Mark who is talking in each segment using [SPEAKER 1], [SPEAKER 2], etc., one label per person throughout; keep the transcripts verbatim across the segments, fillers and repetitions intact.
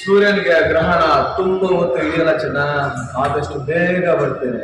[SPEAKER 1] ಸೂರ್ಯನಿಗೆ ಗ್ರಹಣ ತುಂಬಾ ಹೊತ್ತು ಹಿಡಿಯಲ್ಲ ಚೆನ್ನ, ಆದಷ್ಟು ಬೇಗ ಬರ್ತೇನೆ.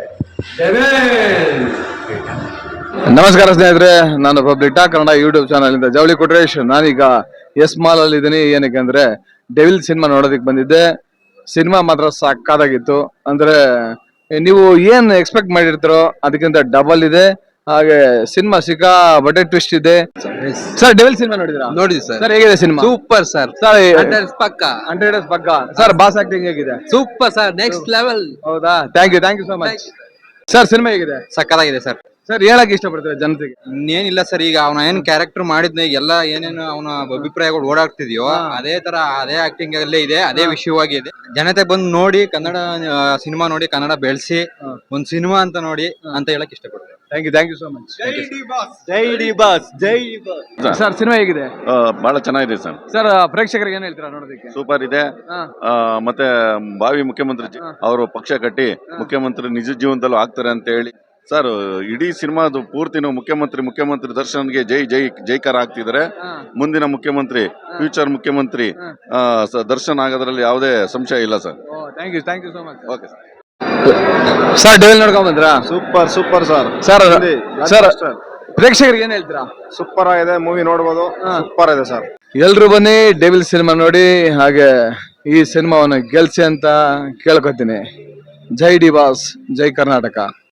[SPEAKER 1] ನಮಸ್ಕಾರ ಸ್ನೇಹಿತರೆ, ನಾನು public talk Kannada YouTube channel ಇಂದ ಜವಳಿ ಕೊಟ್ರೇಶ್. ನಾನೀಗ ಎಸ್ ಮಾಲ್ ಅಲ್ಲಿ ಇದ್ದೀನಿ. ಏನಕ್ಕೆ ಅಂದ್ರೆ ಡೆವಿಲ್ ಸಿನಿಮಾ ನೋಡೋದಕ್ಕೆ ಬಂದಿದ್ದೆ. ಸಿನಿಮಾ ಮಾತ್ರ ಸಕ್ಕತ್ತಾಗಿತ್ತು. ಅಂದ್ರೆ ನೀವು ಏನ್ ಎಕ್ಸ್ಪೆಕ್ಟ್ ಮಾಡಿರ್ತಾರೋ ಅದಕ್ಕಿಂತ ಡಬಲ್ ಇದೆ. ಹಾಗೆ ಸಿನಿಮಾ ಸಿಕ್ಕಾ ಬಟ್ಟೆ ಟ್ವಿಸ್ಟ್ ಇದೆ. ಸರ್ ಡೆವಿಲ್ ಸಿನಿಮಾ ನೋಡಿದ್ರಾ?
[SPEAKER 2] ನೋಡಿದ್ವಿ ಸರ್.
[SPEAKER 1] ಸರ್ ಹೇಗಿದೆ ಸಿನಿಮಾ?
[SPEAKER 2] Super sir.
[SPEAKER 1] ಸರ್
[SPEAKER 2] ಪಕ್ಕ
[SPEAKER 1] ಹಂಡ್ರೆಡ್ ಡೇಸ್ ಪಕ್ಕ. ಸರ್ ಬಾಸ್ ಆಕ್ಟಿಂಗ್ ಹೇಗಿದೆ?
[SPEAKER 2] Super sir, next level.
[SPEAKER 1] ಹೌದಾ? Thank you thank you so much. Sir cinema ಹೇಗಿದೆ?
[SPEAKER 2] ಸಕ್ಕತ್ತಾಗಿದೆ ಸರ್.
[SPEAKER 1] ಸರ್ ಹೇಳಕ್ ಇಷ್ಟಪಡ್ತಾರೆ ಜನತೆಗೆ?
[SPEAKER 2] ಇನ್ನೇನಿಲ್ಲ ಸರ್, ಈಗ ಅವನ ಏನ್ ಕ್ಯಾರೆಕ್ಟರ್ ಮಾಡಿದ್ನ ಎಲ್ಲ ಏನೇನು ಅವನ ಅಭಿಪ್ರಾಯಗಳು ಓಡಾಡ್ತಿದ್ಯೋ ಅದೇ ತರ ಅದೇ ಆಕ್ಟಿಂಗ್ ಅಲ್ಲೇ ಇದೆ, ಅದೇ ವಿಷಯವಾಗಿ ಇದೆ. ಜನತೆ ಬಂದು ನೋಡಿ ಕನ್ನಡ ಸಿನಿಮಾ ನೋಡಿ ಕನ್ನಡ ಬೆಳೆಸಿ ಒಂದ್ ಸಿನಿಮಾ ಅಂತ ನೋಡಿ ಅಂತ ಹೇಳಕ್ ಇಷ್ಟಪಡ್ತಾರೆ.
[SPEAKER 1] Thank you thank you so much.
[SPEAKER 2] ಜೈ ಡಿ ಬಾಸ್, ಜೈ ಡಿ ಬಾಸ್, ಜೈ ಡಿ ಬಾಸ್.
[SPEAKER 1] ಸರ್ ಸಿನಿಮಾ ಹೇಗಿದೆ?
[SPEAKER 3] ಬಹಳ ಚೆನ್ನಾಗಿದೆ ಸರ್.
[SPEAKER 1] ಸರ್ ಪ್ರೇಕ್ಷಕರಿಗೆ ಏನ್ ಹೇಳ್ತೀರಾ ನೋಡೋದಕ್ಕೆ?
[SPEAKER 3] ಸೂಪರ್ ಇದೆ. ಮತ್ತೆ ಭಾವಿ ಮುಖ್ಯಮಂತ್ರಿ ಅವರು ಪಕ್ಷ ಕಟ್ಟಿ ಮುಖ್ಯಮಂತ್ರಿ ನಿಜ ಜೀವನದಲ್ಲೂ ಆಗ್ತಾರೆ ಅಂತ ಹೇಳಿ ಸರ್, ಇಡೀ ಸಿನಿಮಾದು ಪೂರ್ತಿನೂ ಮುಖ್ಯಮಂತ್ರಿ ಮುಖ್ಯಮಂತ್ರಿ ದರ್ಶನ್ಗೆ ಜೈ ಜೈ ಜೈಕಾರ ಆಗ್ತಿದ್ದಾರೆ. ಮುಂದಿನ ಮುಖ್ಯಮಂತ್ರಿ, ಫ್ಯೂಚರ್ ಮುಖ್ಯಮಂತ್ರಿ ದರ್ಶನ್ ಆಗೋದ್ರಲ್ಲಿ ಯಾವುದೇ ಸಂಶಯ ಇಲ್ಲ sir.
[SPEAKER 1] Thank you thank you so much.
[SPEAKER 3] Okay sir.
[SPEAKER 1] Sir Devil ನೋಡ್ಕೊಂಡ್ ಬಂದ್ರಾ?
[SPEAKER 4] Super super sir.
[SPEAKER 1] Sir sir ಪ್ರೇಕ್ಷಕರಿಗೆ ಏನ್ ಹೇಳ್ತೀರಾ?
[SPEAKER 4] ಸೂಪರ್ ಆಗಿದೆ ಮೂವಿ, ನೋಡ್ಬೋದು. ಸೂಪರ್ ಇದೆ ಸರ್.
[SPEAKER 1] ಎಲ್ರು ಬನ್ನಿ ಡೆವಿಲ್ ಸಿನಿಮಾ ನೋಡಿ, ಹಾಗೆ ಈ ಸಿನಿಮಾವನ್ನು ಗೆಲ್ಸಿ ಅಂತ ಕೇಳ್ಕೊತೀನಿ. ಜೈ ಡಿ ಬಾಸ್, ಜೈ ಕರ್ನಾಟಕ.